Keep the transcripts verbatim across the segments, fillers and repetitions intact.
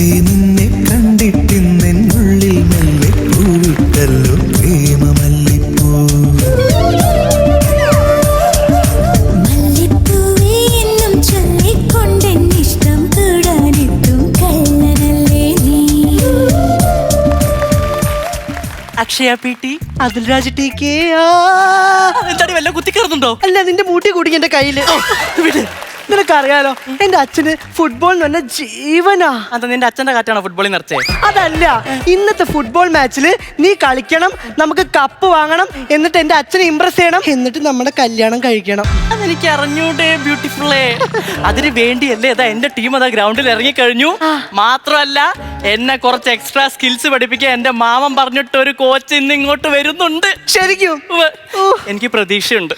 നിന്നെ കണ്ടിട്ടിന്നുള്ളിൽ മെല്ലെ പൂവിട്ടല്ലോ പ്രേമമല്ലിപ്പൂ. മല്ലിപ്പൂവേ എന്നും ചൊല്ലിക്കൊണ്ടെന്നിഷ്ടം കൂടാനെത്തും കള്ളനല്ലേ നീ. അക്ഷയ പി ടി അതിൽ രാജ ടി കെ എന്താടി വല്ല കുത്തിക്കയറുന്നുണ്ടോ? അല്ല നിന്റെ മൂട്ടി കൂടി എന്റെ കയ്യില് വിട്. നിനക്കറിയാലോ എന്റെ അച്ഛന് ഫുട്ബോൾ എന്ന് പറഞ്ഞ ജീവനാ. അത് നിന്റെ അച്ഛന്റെ കാറ്റാണോ ഫുട്ബോളിൽ നിറച്ചേ? അതല്ല, ഇന്നത്തെ ഫുട്ബോൾ മാച്ചില് നീ കളിക്കണം, നമുക്ക് കപ്പ് വാങ്ങണം, എന്നിട്ട് എന്റെ അച്ഛനെ ഇംപ്രസ് ചെയ്യണം, എന്നിട്ട് നമ്മുടെ കല്യാണം കഴിക്കണം. അതെനിക്ക് അറിഞ്ഞൂടെ ബ്യൂട്ടിഫുള്ളേ. അതിന് വേണ്ടിയല്ലേ അതാ എന്റെ ടീം അതാ ഗ്രൗണ്ടിൽ ഇറങ്ങിക്കഴിഞ്ഞു. മാത്രമല്ല എന്നെ കുറച്ച് എക്സ്ട്രാ സ്കിൽസ് പഠിപ്പിക്കാൻ എന്റെ മാമൻ പറഞ്ഞിട്ട് ഒരു കോച്ച് ഇന്ന് ഇങ്ങോട്ട് വരുന്നുണ്ട്. ശരിക്കും എനിക്ക് പ്രതീക്ഷയുണ്ട്.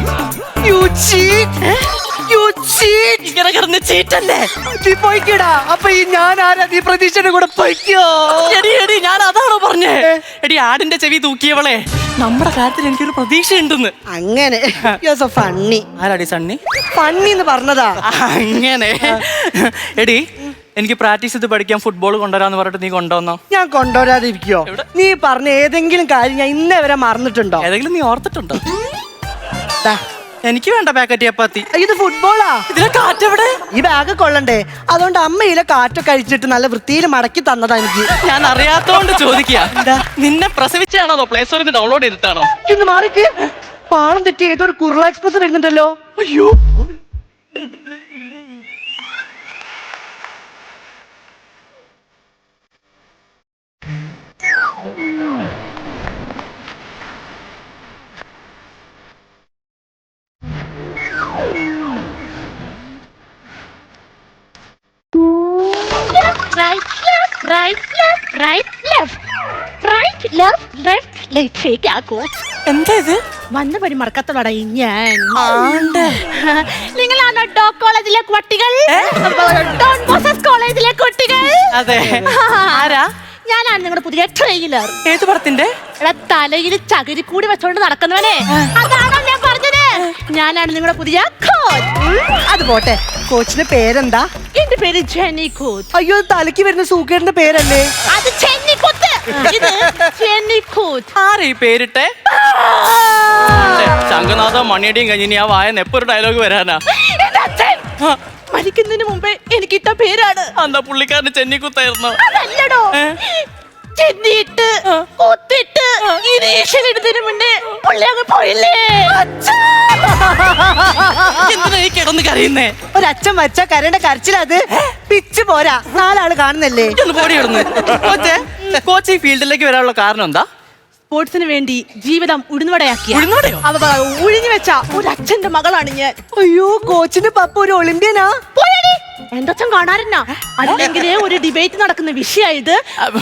ഇങ്ങനെ കിടന്ന് ചീറ്റല്ലേ നീ പോയിക്കടാ. അപ്പൊ ഈ ഞാൻ ആരാ? നീ പ്രതീക്ഷയുടെ കൂടെ പോയിക്കോ. എടി എടി ഞാൻ അതാണോ പറഞ്ഞേ? എടി ആടിന്റെ ചെവി തൂക്കിയവളെ, നമ്മുടെ കാര്യത്തിൽ എനിക്കൊരു പ്രതീക്ഷയുണ്ടെന്ന്. അങ്ങനെ ഫണ്ണി. ആരാടി സണ്ണി? ഫണ്ണി എന്ന് പറഞ്ഞതാ. അങ്ങനെ എടി എനിക്ക് പ്രാക്ടീസ് ചെയ്ത് പഠിക്കാൻ ഫുട്ബോൾ കൊണ്ടുവരാന്ന് പറഞ്ഞിട്ട് നീ കൊണ്ടുവന്നോ? ഞാൻ കൊണ്ടുവരാതിരിക്കോ? നീ പറഞ്ഞ ഏതെങ്കിലും കാര്യം ഞാൻ ഇന്നേ വരെ മറന്നിട്ടുണ്ടോ? ഏതെങ്കിലും നീ ഓർത്തിട്ടുണ്ടോ? എനിക്ക് വേണ്ട പാക്കറ്റ് ചപ്പാത്തി. ഇത് ഫുട്ബോളാ. ഇതിലെ കാറ്റെവിടെ? ഈ ബാഗ് കൊള്ളണ്ടേ? അതുകൊണ്ട് അമ്മയിലെ കാറ്റൊക്കെ അഴിച്ചിട്ട് നല്ല വൃത്തിയിൽ മടക്കി തന്നതാ എനിക്ക്. ഞാൻ അറിയാത്തോണ്ട് ചോദിക്കുക. നിന്നെ പ്രസവിച്ചാണോ പ്ലേ സ്റ്റോറിൽ നിന്ന് ഡൗൺലോഡ് ചെയ്തിട്ടാണോ? ഇന്ന് മാറിക്ക്. പാളം തെറ്റി ഏതോ ഒരു കുർള എക്സ്പ്രസ് വരുന്നുണ്ടല്ലോ. അയ്യോ Right, left, right, left, right, left, right, left, left, left. ശരിയാക്കോ? എന്താ ഇത്? വന്ന പടി മറക്കത്തോടാ ഞാൻ. ആണ്ട്. നിങ്ങളാണോ ഡോ കോളേജിലെ കുട്ടികൾ? ഡോൺ ബോസസ് കോളേജിലെ കുട്ടികൾ? അതെ. ആരാ? ഞാനാണ് നിങ്ങളുടെ പുതിയ ട്രെയിലർ. ഏത് പടത്തിന്റെ? തലയിൽ ചകിരി കൂടി വെച്ചോണ്ട് നടക്കുന്നവനെ, അതാണോ ഞാൻ പറഞ്ഞത്? ഞാനാണ് നിങ്ങളുടെ പുതിയ കോച്ച്. അത് പോട്ടെ, കോച്ചിന്റെ പേരെന്താ? എന്റെ പേര് ജെന്നി കൂത്ത്. അയ്യോ, തലയ്ക്ക് വരുന്ന സൂക്കേടിന്റെ പേരല്ലേ അത്? ജെന്നി കൂത്ത്. ഇത് ജെന്നി കൂത്ത്. ആരാ ഈ പേരിട്ടെ? ശംഖനാഥ മണിയടിയും കഴിഞ്ഞിനി ആ വായ നെപ്പൊരു ഡയലോഗ് വരാനാ. എന്റെ അച്ഛൻ മരിക്കുന്നതിന് മുമ്പേ എനിക്ക് ഇട്ട പേരാണ്. എന്താ പുള്ളിക്കാരന് ചെന്നിക്കുത്തായിരുന്നോ? അതല്ലടോ, ചെന്നിട്ട് കൊത്തിട്ട് ഇനീഷ്യലിടുന്നതിന് മുന്നേ പുള്ളി അങ്ങ് പോയില്ലേ. എന്തിനാ ഈ കിടന്ന് കരയുന്നേ? ഒരച്ഛൻ വച്ച കരയുടെ കരച്ചിലത് പിച്ച് പോരാ. നാലാള് കാണുന്നല്ലേ. ഒന്ന് പോടി കിടന്ന്. കോച്ചേ, കോച്ച് ഈ ഫീൽഡിലേക്ക് വരാനുള്ള കാരണം എന്താ? സ്പോർട്സിന് വേണ്ടി ജീവിതം ഉഴുന്നുവടയാക്കിയ ഉഴുന്നുവടയോ? ഉഴിഞ്ഞു വെച്ച ഒരു അച്ഛന്റെ മകളാണ് ഞാൻ. അയ്യോ, കോച്ചിന്റെ പപ്പ ഒരു ഒളിമ്പ്യനാ. എന്റെ അച്ഛൻ കാണാറുന്നാ. അല്ലെങ്കിൽ ഒരു ഡിബേറ്റ് നടക്കുന്ന വിഷയായത്.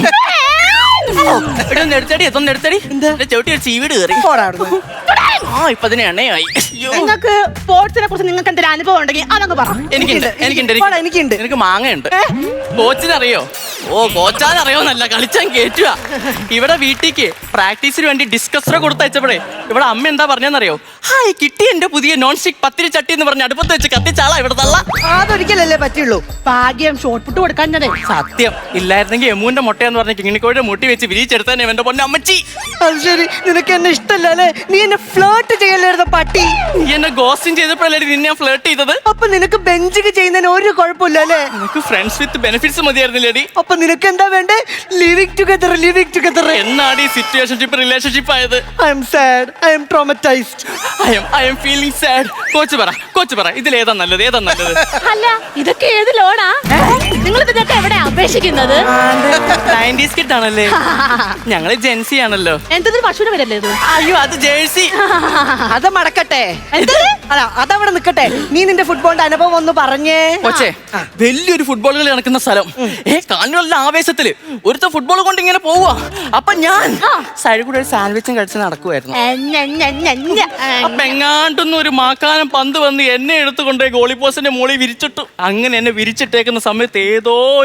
എടുത്തടി എത്തൊന്ന് എടുത്തടി. ചവിട്ടി ഒരു ചീവീട് കയറി. ആ ഇപ്പൊ അതിന് എണ്ണയായി. നിങ്ങൾക്ക് സ്പോർട്സിനെ കുറിച്ച് നിങ്ങൾക്ക് എന്തെങ്കിലും അനുഭവം ഉണ്ടെങ്കിൽ അതങ്ങ് പറ. എനിക്കുണ്ട് എനിക്കുണ്ട് എനിക്കുണ്ട് എനിക്ക് മാങ്ങയുണ്ട്. കോച്ചിനറിയോ? ഓ കോച്ചാനറിയോന്നല്ല, കളിച്ചാൻ കേറ്റുക. ഇവിടെ വീട്ടിക്ക് പ്രാക്ടീസിന് വേണ്ടി ഡിസ്കസറ കൊടുത്തയച്ചപ്പോഴേ ഇവിടെ അമ്മ എന്താ പറഞ്ഞെന്നറിയോ? ഹായ് കിട്ടി എന്റെ പുതിയ നോൺ സ്റ്റിക് പത്തിരി ചട്ടി എന്ന് പറഞ്ഞ് അടുപ്പത്ത് വെച്ച് കത്തിച്ചാളാ ഇവിടെ തള്ള. അതൊരിക്കലല്ലേ പറ്റുള്ളൂ. ഭാഗ്യം ഷോർട്ട് പുട്ട് കൊടുക്കാൻ. സത്യം ഇല്ലായിരുന്നെങ്കിൽ എമ്മുവിന്റെ മുട്ടയെന്ന് പറഞ്ഞ കിങ്ങിണിക്കോയുടെ മുട്ടി വെച്ച് വിരിച്ചെടുത്താനേ എന്റെ പൊന്നെ അമ്മച്ചി. അത് ശരി, നിനക്ക് എന്നെ ഇഷ്ടല്ല അല്ലേ? നീ എന്നെ ഫ്ലേർട്ട് ചെയ്യല്ലായിരുന്ന പട്ടി. നീ എന്നെ ഗോസ്റ്റിംഗ് ചെയ്തപ്പോഴല്ലേ നിന്നെ ഞാൻ ഫ്ലേർട്ട് ചെയ്തത്. അപ്പൊ നിനക്ക് ബെഞ്ചിക്ക് ചെയ്യുന്നതിന് ഒരു കുഴപ്പമില്ല അല്ലേ? നിനക്ക് ഫ്രണ്ട്സ് വിത്ത് ബെനിഫിറ്റ്സ് മതിയായിരുന്നില്ലേടി? അപ്പൊ നിനക്ക് എന്താ വേണ്ടേ? Living together, living together. എന്നാണ് ഈ സിറ്റുവേഷൻഷിപ്പ് റിലേഷൻഷിപ്പ് ആയത്? I'm sad, I'm traumatised, I'm I'm feeling sad. Coach പറ, കോച്ച് പറ, ഇതിൽ ഏതാ നല്ലത്, ഏതാ നല്ലത്? അല്ല, ഇതൊക്കെ ഏത് ലോണാ? നിങ്ങൾ ഇതിനൊക്കെ എവിടെ അപേക്ഷിക്കുന്നത്? നയൻറ്റീസ് കിഡ് ആണല്ലേ? ഞങ്ങള് ജെൻസി ആണല്ലോ. എന്തൊരു പശുവിനെ വരല്ലേ ഇത്? അയ്യോ അത് ജേഴ്സി. അത് മടക്കട്ടെ. അല്ല അതവിടെ നിക്കട്ടെ. നീ നിന്റെ ഫുട്ബോളിന്റെ അനുഭവം ഒന്ന് പറഞ്ഞേ. കൊച്ചേ, വലിയൊരു ഫുട്ബോൾ കളി നടക്കുന്ന സ്ഥലം. ഏ കാണികളുടെ ആവേശത്തില് ഒരുത്ത ഫുട്ബോൾ കൊണ്ട് ഇങ്ങനെ പോവാ. അപ്പൊ ഞാൻ സൈഡിൽ കൂടെ ഒരു സാൻഡ്വിച്ചും കഴിച്ച് നടക്കുമായിരുന്നു. അപ്പൊ എങ്ങാണ്ടൊന്നും ഒരു മാക്കാനം പന്ത് വന്ന് എന്നെ എടുത്തുകൊണ്ട് ഗോളി പോസ്റ്റിന്റെ മുകളിൽ വിരിച്ചിട്ടു. അങ്ങനെ എന്നെ വിരിച്ചിട്ടേക്കുന്ന സമയത്ത് ഏതോ ഒരു കുരുത്തൻ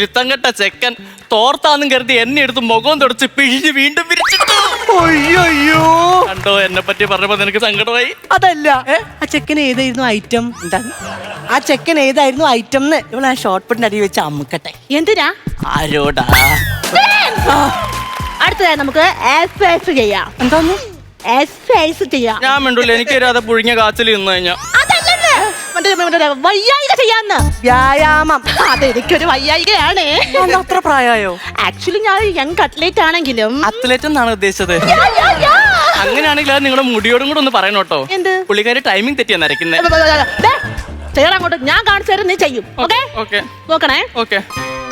കുരുത്തം കെട്ട ചെക്കൻ തോർത്താന്നും കരുതി എന്നെ എടുത്ത് മുഖം തുടച്ച് പിഴിഞ്ഞ് വീണ്ടും പിരിച്ചിട്ടു. അയ്യോ കണ്ടോ എന്നെ പറ്റി പറഞ്ഞപ്പോ നിനക്ക് സങ്കടമായി? അതല്ല ആ ചെക്കൻ ഏതായിരുന്നു ഐറ്റം? എന്താ ആ ചെക്കൻ ഏതായിരുന്നു ഐറ്റം എന്ന്? ഇവളെ ഷോർട്ട് പുട്ടിന്റെ അടി വെച്ച് അമ്മുക്കട്ടെ. എന്തിനാ? ആരോടാ? അടുത്തതായി നമുക്ക് എക്സസൈസ് ചെയ്യാം. എന്താന്ന്? എക്സസൈസ് ചെയ്യാം. ഞാൻ മിണ്ടൂല, എനിക്ക് തരാതെ പുഴുങ്ങിയ കാച്ചിൽ നിന്ന് കഴിഞ്ഞാ. അതല്ലെന്ന്. മറ്റേ മറ്റേ വയ്യായിക ചെയ്യാന്ന്. വ്യായാമം. അതെനിക്കൊരു വയ്യായികയാണ്. അത്ര പ്രായമായോ? ആക്ച്വലി ഞാൻ യങ് കട്ട്ലേറ്റ് ആണെങ്കിലും അത്ലറ്റ് എന്നാണ് ഉദ്ദേശിച്ചത്. യാ, യാ, യാ. അങ്ങനെയാണെങ്കിൽ അത് നിങ്ങളുടെ മുടിയോടും കൂടെ ഒന്ന് പറയണം കേട്ടോ. എന്ത്? പുള്ളിക്കാരി ടൈമിംഗ് തെറ്റിയാ നരക്കുന്നത്. ദേ, ചെയ്യണം അങ്ങോട്ട്. ഞാൻ കാണിച്ചു തരും, നീ ചെയ്യും. ഓക്കെ ഓക്കെ നോക്കണേ. ഓക്കെ.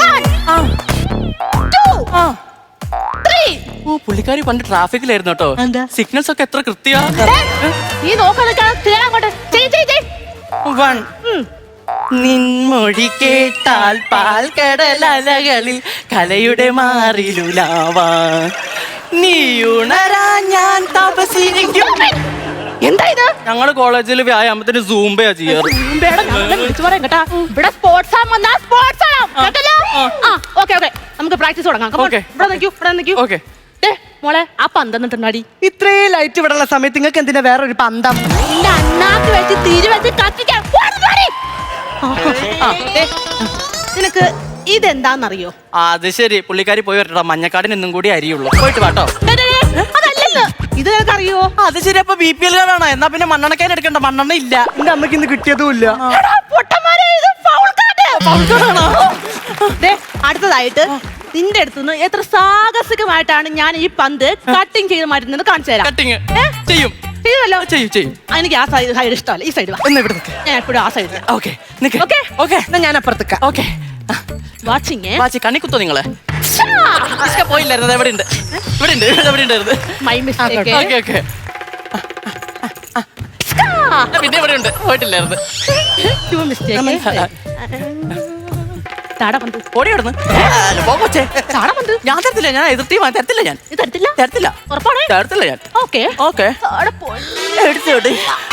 Two, three. ഓ പുള്ളിക്കാരി പണ്ട് ട്രാഫിക്കിലായിരുന്നു കേട്ടോ. എന്താ? സിഗ്നൽസ് ഒക്കെ എത്ര കൃത്യാ. ദേ, നീ നോക്കാതെ ചെയ്യണം അങ്ങോട്ട്. ചെയ് ചെയ് ചെയ്. വൺ. ഉം. നിൻമൊഴി കേട്ടാൽ പാൽ കടലലകളിൽ കലയുടെ മാറിലുലാവാ നീ ഉണരാ ഞാൻ തപസിരിക്കും. എന്താ ഇത്? ഞങ്ങള് കോളേജിൽ വ്യായാമത്തിന് സൂംബയാ ചെയ്യാറ്. ഉമ്പേടെ ഞങ്ങളെ വിളിച്ചു പറയാം കേട്ടാ. ഇവിടെ സ്പോർട്സ് ആം വന്നാ സ്പോർട്സ് ആണോ കേട്ടല്ലോ? ആ ഓക്കെ ഓക്കെ നമുക്ക് പ്രാക്ടീസ് തുടങ്ങാം. Come on. Okay. ഇവിടെ നിൽക്കൂ ഇവിടെ നിൽക്കൂ. ഓക്കെ. ദേ മോളെ ആ പന്ത് എന്നിട്ടുണ്ടാടി. ഇത്രയും ലൈറ്റ് ഇവിടെ ഉള്ള സമയത്ത് നിങ്ങൾക്ക് എന്തിനാ വേറെ ഒരു പന്തം? നിന്റെ അണ്ണാക്ക് വെച്ച് തിരി വെച്ച് കത്തിക്കാൻ പോടുന്നാടി. ആ, ദേ, നിനക്ക് ഇതെന്താന്നറിയോ? അത് ശരി, പുള്ളിക്കാരി പോയി വരട്ടോ. മഞ്ഞക്കാടിന് ഇന്നും കൂടി അരിയുള്ളൂ. പോയിട്ട് വാട്ടോ. ദേ, ദേ, ദേ, അതല്ലെന്ന്. ഇത് നിനക്കറിയോ? അത് ശരി, അപ്പൊ ബി പി എൽ കാർഡാണോ? എന്നാ പിന്നെ മണ്ണെണ്ണക്കാരൻ എടുക്കണ്ട, മണ്ണെണ്ണ ഇല്ല. എന്റെ അമ്മയ്ക്ക് ഇന്ന് കിട്ടിയതും ഇല്ല. എടാ, പൊട്ടന്മാരെ, ഇത് foul card. ദേ, അടുത്തതായിട്ട് നിന്റെ അടുത്തുനിന്ന് എത്ര സാഹസികമായിട്ടാണ് ഞാൻ ഈ പന്ത് കട്ടിങ് ചെയ്ത് മാറ്റുന്നത് കാണിച്ചു തരാം. കട്ടിങ് ഏ? ചെയ്യും ചെയ്തല്ലോ. ചെയ്യും ചെയ്യും. ആ, എനിക്ക് ആ സൈഡ് സൈഡ് ഇഷ്ടമല്ല. ഈ സൈഡ് ഒന്ന് ഇവിടെ നിൽക്ക്. ഞാൻ എപ്പോഴും ആ സൈഡ് ഓക്കെ നിക്ക്. Okay. ഓക്കെ എന്നാ ഞാൻ അപ്പുറത്തേക്ക. ഓക്കെ. വാച്ചിങ്. വാച്ചി കണ്ണി കുത്തോ നിങ്ങള്? ഇഷ്ക പോയില്ലായിരുന്നു. എവിടെ ഉണ്ട്? ഇവിടെ ഉണ്ട്. എവിടെ ഉണ്ടായിരുന്നു? My mistake. Okay okay. പിന്നെ ഇവിടെ ഉണ്ട്. പോയിട്ടില്ലായിരുന്നു. To mistake. താട പന്ത്. ഓടി കിടന്ന് പോച്ചേ. താട പന്ത്. ഞാൻ തരത്തില്ല. ഞാൻ എതിർത്തി തരത്തില്ല. ഞാൻ ഇത് തരത്തില്ല. തരത്തില്ല. ഉറപ്പാണ്. തരത്തില്ല ഞാൻ. Okay okay. താട പോയി. എടുത്തോട്ട്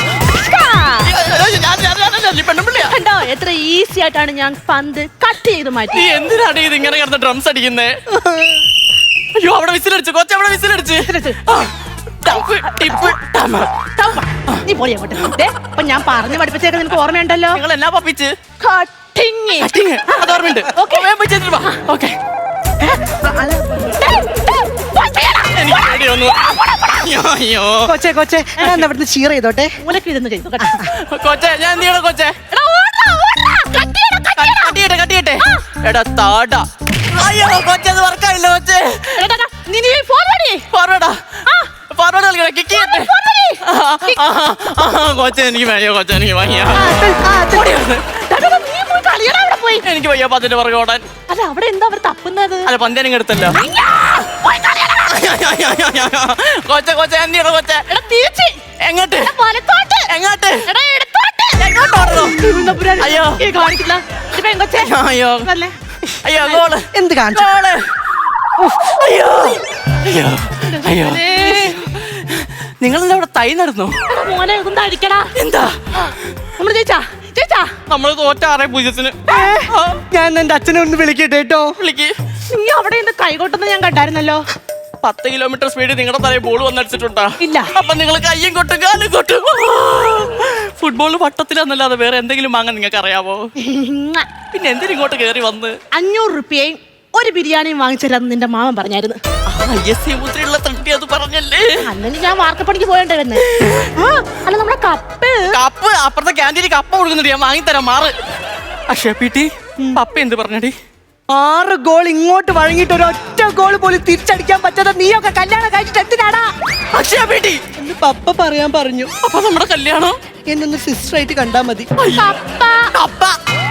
കണ്ടോ എത്ര ഈസി ആയിട്ടാണ് ഞാൻ പന്ത് കട്ട് ചെയ്ത് മാറ്റി. നീ എന്തിനാണ് ഇത് ഇങ്ങനെ കിടന്ന് ഡ്രംസ് അടിക്കുന്നേ? അയ്യോ അവിടെ വിസിലടിച്ചു. കൊച്ച അവിടെ വിസിലടിച്ച്. നീ പോയി അങ്ങോട്ട്. ദേ, അപ്പൊ ഞാൻ പറഞ്ഞു പഠിപ്പിച്ചേക്ക് നിനക്ക് ഓർമ്മയുണ്ടല്ലോ. നിങ്ങൾ എന്നാ പപ്പിച്ച്? കട്ടിങ്. കട്ടിങ്. അത് ഓർമ്മയുണ്ട്. Okay. പോയി ചെയ്തിട്ട് വാ. ഓക്കെ. എനിക്ക് പേടി വന്നു. അയ്യോ, അയ്യോ. കൊച്ചേ കൊച്ചേ ഞാൻ അവിടുന്ന് ചീർ ചെയ്തോട്ടെ. മൂലക്ക് ഇരുന്ന് ചെയ്തു കേട്ടോ. കൊച്ചേ ഞാൻ എന്ത് ചെയ്യണം കൊച്ചേ? എടാ, ഓടാ, ഓടാ. Cut ചെയ്യണം, cut ചെയ്യണം. കട്ടിയട്ടെ കട്ടിയട്ടെ. എടാ താടാ. അയ്യോ കൊച്ചേ അത് വർക്കായില്ല കൊച്ചേ. എടാ, എടാ, നീ നീ forward ചെയ്യ്. ഫോർവേഡാ. ആ, ഫോർവേഡ് കളിക്കണ കിക്ക് ചെയ്യട്ടെ. forward ചെയ്യ്. കൊച്ചേ എനിക്ക് വയ്യ. കൊച്ചേ എനിക്ക് വയ്യ. ആ, അത്, ആ, അത്. ഓടി വന്ന്. എടാ, എടാ, നീ പോയി കളിയടാ അവിടെ പോയി. എനിക്ക് വയ്യ പതിന്റെ പുറകെ ഓടാൻ. അല്ല അവിടെ എന്താ അവർ തപ്പുന്നത്? അല്ല പന്തേനും എടുത്തല്ലോ. അയ്യാ, പോയി കളിയടാ. കൊച്ചേ കൊച്ചേ എന്ത് ചെയ്യണം കൊച്ചേ? എടാ, തിരിച്ച്. എങ്ങോട്ട്? എടാ, വലത്തോട്ട്. എങ്ങോട്ട്? എടാ, ഇടത്തോട്ട്. എങ്ങോട്ട് ഓടണം? തിരുവനന്തപുരം. അയ്യോ. ഈ കാണിക്കില്ല. ഇത് പെങ്കൊച്ചേ. അയ്യോ വല്ലേ. അയ്യോ ഗോള്. എന്ത് കാണിച്ചു? ഗോള്. അയ്യോ അയ്യോ അയ്യോ. നിങ്ങളെന്താ ഇവിടെ തൈ നടന്നു? എടാ, മോനെ ഇതൊന്നും അടിക്കടാ. എന്താ നമ്മള് ജയിച്ചാ ജയിച്ചാ നമ്മള് തോറ്റ ആറേ പൂജ്യത്തിന്. ഞാൻ എന്റെ അച്ഛനെ ഒന്ന് വിളിക്കട്ടെ കേട്ടോ. വിളിക്ക്. നീ അവിടെ നിന്ന് കൈകൊട്ടെന്ന് ഞാൻ കണ്ടായിരുന്നല്ലോ. പത്ത് കിലോമീറ്റർ സ്പീഡിൽ നിങ്ങളുടെ തലയിൽ ബോൾ വന്നടിച്ചിട്ടുണ്ടാ? ഇല്ല. അപ്പൊ നിങ്ങൾ കയ്യും കൊട്ടും കാലും കൊട്ടും. ഫുട്ബോൾ വട്ടത്തിലാന്നല്ലാതെ വേറെ എന്തെങ്കിലും വാങ്ങാൻ നിങ്ങൾക്ക് അറിയാവോ? പിന്നെ എന്തിനും ഇങ്ങോട്ട് കയറി വന്ന്? അഞ്ഞൂറ് റുപ്യയും ഒരു ബിരിയാണിയും വാങ്ങിച്ചിരാന്ന് നിന്റെ മാമൻ പറഞ്ഞായിരുന്നു. മുദ്രയുള്ള തട്ടി അത് പറഞ്ഞല്ലേ? അല്ലെങ്കിലും ഞാൻ വാർക്കപ്പണിക്ക് പോയണ്ടേ വന്ന്. ആ, അല്ല നമ്മുടെ കപ്പ്. കപ്പ് അപ്പുറത്തെ ക്യാൻറ്റീനിൽ കപ്പ കൊടുക്കുന്നുണ്ട്. ഞാൻ വാങ്ങിത്തരാം മാറ്. അക്ഷയ പീട്ടി പപ്പ എന്ത് പറഞ്ഞടി? ആറ് ഗോൾ ഇങ്ങോട്ട് വഴങ്ങിയിട്ട് ഒരു ഒറ്റ ഗോൾ പോലും തിരിച്ചടിക്കാൻ പറ്റാതെ നീയൊക്കെ കല്യാണം കഴിച്ചിട്ട് എന്തിനാടാ? അക്ഷയ പീട്ടി എന്ന് പപ്പ പറയാൻ പറഞ്ഞു. അപ്പൊ നമ്മുടെ കല്യാണം എന്നൊന്ന് സിസ്റ്റർ ആയിട്ട് കണ്ടാ മതി. കപ്പ. കപ്പ